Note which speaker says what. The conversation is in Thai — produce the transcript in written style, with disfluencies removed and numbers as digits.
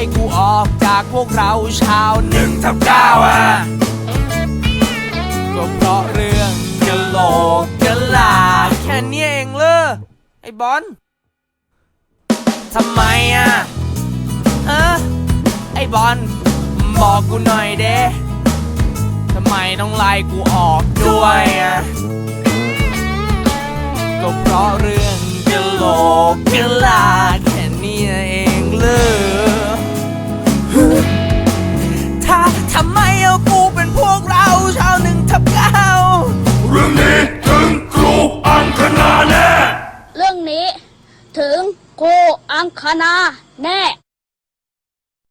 Speaker 1: กูออกจากพวกเราชาว1/9อ่ะก็เพราะเรื่องกะโหลกกะลาแค่นี้เองเลยไอ้บอลทำไมอ่ะฮะไอ้บอลบอกกูหน่อยเด้ทำไมต้องไล่กูออกด้วยอ่ะก็เพราะเรื่องกะโหลกกะลาแค่นี้เองเลย